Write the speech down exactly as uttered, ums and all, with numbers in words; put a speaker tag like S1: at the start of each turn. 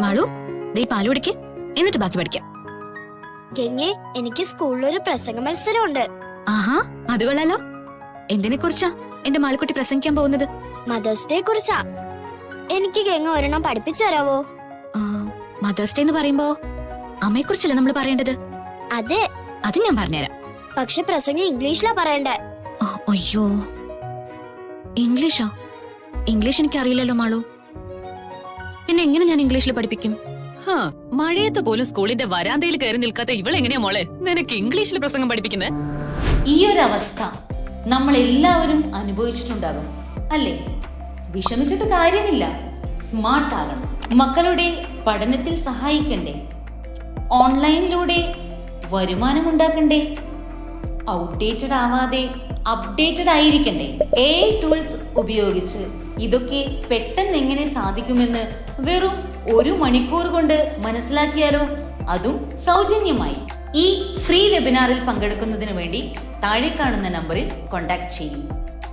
S1: മാളു ദേ പാല് കുടിക്ക്, എന്നിട്ട് ബാക്കി പഠിക്കാം.
S2: ഗംഗേ, എനിക്ക് സ്കൂളിലൊരു പ്രസംഗ മത്സരമുണ്ട്.
S1: ആഹാ, അത് കൊള്ളാലോ. എന്തിനെ കുറിച്ചാ എന്റെ മാളിക്കുട്ടി പ്രസംഗിക്കാൻ പോകുന്നത്?
S2: മദേഴ്സ് ഡേ കുറിച്ചാ. എനിക്ക് ഗംഗ ഒരെണ്ണം പഠിപ്പിച്ചു തരാവോ?
S1: മദേഴ്സ് ഡേ എന്ന് പറയുമ്പോ അമ്മയെ കുറിച്ചല്ലേ നമ്മൾ പറയേണ്ടത്?
S2: അതെ,
S1: അത് ഞാൻ പറഞ്ഞുതരാം.
S2: പക്ഷെ പ്രസംഗം ഇംഗ്ലീഷിലാ പറയണ്ടേ.
S1: ഓ, അയ്യോ, ഇംഗ്ലീഷോ? ഇംഗ്ലീഷ് എനിക്ക് അറിയില്ലല്ലോ മാളു. പിന്നെ എങ്ങനെ ഞാൻ ഇംഗ്ലീഷിൽ പഠിപ്പിക്കും?
S3: മഴയത്ത് പോലും സ്കൂളിന്റെ വരാന്തയിൽ കയറി നിൽക്കാത്ത ഇവളെങ്ങനെയാ മോളെ നിനക്ക് ഇംഗ്ലീഷിൽ പ്രസംഗം പഠിപ്പിക്കുന്നത്?
S4: ഈ ഒരു അവസ്ഥ നമ്മൾ എല്ലാവരും അനുഭവിച്ചിട്ടുണ്ടാകും അല്ലേ? വിഷമിച്ചിട്ട് കാര്യമില്ല, സ്മാർട്ട് ആകണം. മക്കളുടെ പഠനത്തിൽ സഹായിക്കണ്ടേ? ഓൺലൈനിലൂടെ വരുമാനം ഉണ്ടാക്കണ്ടേ? ഔട്ട്ഡേറ്റഡ് ആവാതെ അപ്ഡേറ്റഡ് ആയിരിക്കണ്ടേ? എ ഐ ടൂൾസ് ഉപയോഗിച്ച് ഇതൊക്കെ പെട്ടെന്ന് എങ്ങനെ സാധിക്കുമെന്ന് വെറും ഒരു മണിക്കൂർ കൊണ്ട് മനസ്സിലാക്കിയാലോ? അതും സൗജന്യമായി. ഈ ഫ്രീ വെബിനാറിൽ പങ്കെടുക്കുന്നതിന് വേണ്ടി താഴെ കാണുന്ന നമ്പറിൽ കോൺടാക്ട് ചെയ്യും.